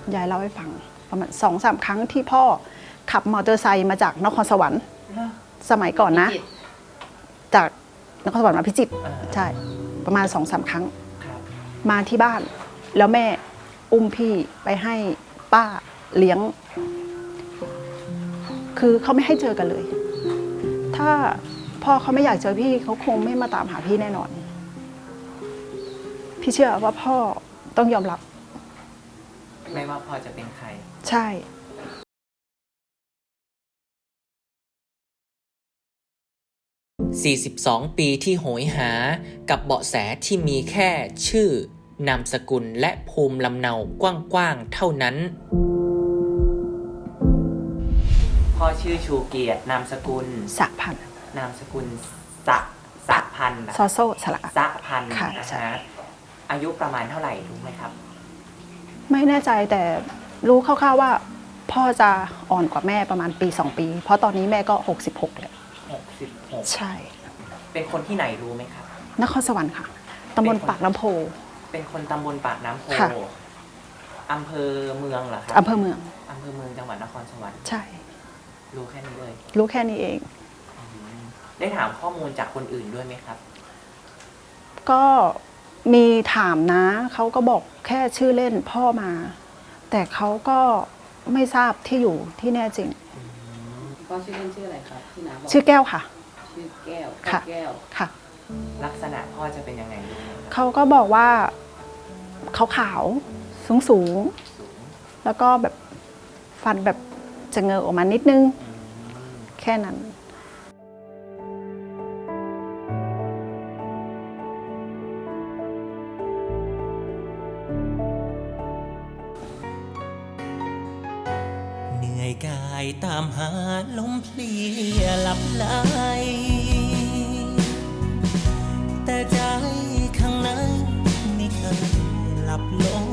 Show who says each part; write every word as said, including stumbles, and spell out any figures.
Speaker 1: ยายเล่าให้ฟังประมาณสองสามครั้งที่พ่อขับมอเตอร์ไซค์มาจากนครสวรรค์สมัยก่อนนะจากนครสวรรค์มาพิจิตรใช่ประมาณสองสามครั้งมาที่บ้านแล้วแม่อุ้มพี่ไปให้ป้าเลี้ยงคือเขาไม่ให้เจอกันเลยถ้าพ่อเขาไม่อยากเจอพี่เขาคงไม่มาตามหาพี่แน่นอนพี่เชื่อว่าพ่อต้องยอมรับ
Speaker 2: ไม่ว่าพ่อจะเป็นใคร
Speaker 1: ใช่
Speaker 2: สี่สิบสอง ปีที่โหยหากับเบาะแสที่มีแค่ชื่อนามสกุลและภูมิลำเนากว้างๆเท่านั้นพ่อชื่อชูเกียรตินามสกุล
Speaker 1: สะพัน
Speaker 2: นามสกุลสะสะพัน
Speaker 1: ซอโซ่สละ
Speaker 2: สะพัน
Speaker 1: ค่ะ
Speaker 2: นะฮะอายุประมาณเท่าไหร่รู้ไหมครับ
Speaker 1: ไม่แน่ใจแต่รู้คร่าวๆว่าพ่อจะอ่อนกว่าแม่ประมาณปีสองปีเพราะตอนนี้แม่ก็หกสิบหกแล้ว
Speaker 2: หกสิบหก
Speaker 1: ใช่
Speaker 2: เป็นคนที่ไหนรู้ไหมครับ
Speaker 1: นครสวรรค์ค่ะตำบลปากน้ำโพ
Speaker 2: เป็นคนตำบลปากน้ำโพอำเภอเมืองเหรอครับ
Speaker 1: อำเภอเมือง
Speaker 2: อำเภอเมืองจังหวัดนครสวรรค์
Speaker 1: ใช่
Speaker 2: รู้แค่นี้เลย
Speaker 1: รู้แค่นี้เอง
Speaker 2: ได้ถามข้อมูลจากคนอื่นด้วยไหมครับ
Speaker 1: ก็มีถามนะเขาก็บอกแค่ชื่อเล่นพ่อมาแต่เขาก็ไม่ทราบที่อยู่ที่แน่จริง
Speaker 3: พ่อชื่อเล่นชื่ออะไรครับที่น้าบอก
Speaker 1: ชื่อแก้วค่ะ
Speaker 3: ชื่อแก้ว
Speaker 1: ค่ะ
Speaker 3: แก้ว
Speaker 1: ค่ะ
Speaker 2: ลักษณะพ่อจะเป็นยังไงรู้ไหม
Speaker 1: เขาก็บอกว่าเขาขาวสูงสูงแล้วก็แบบฟันแบบจะเงยออกมานิดนึงแค่นั้น
Speaker 2: เหนื่อยกายตามหาลมเพลียหลับไหลแต่ใจข้างในไม่เคยหลับลง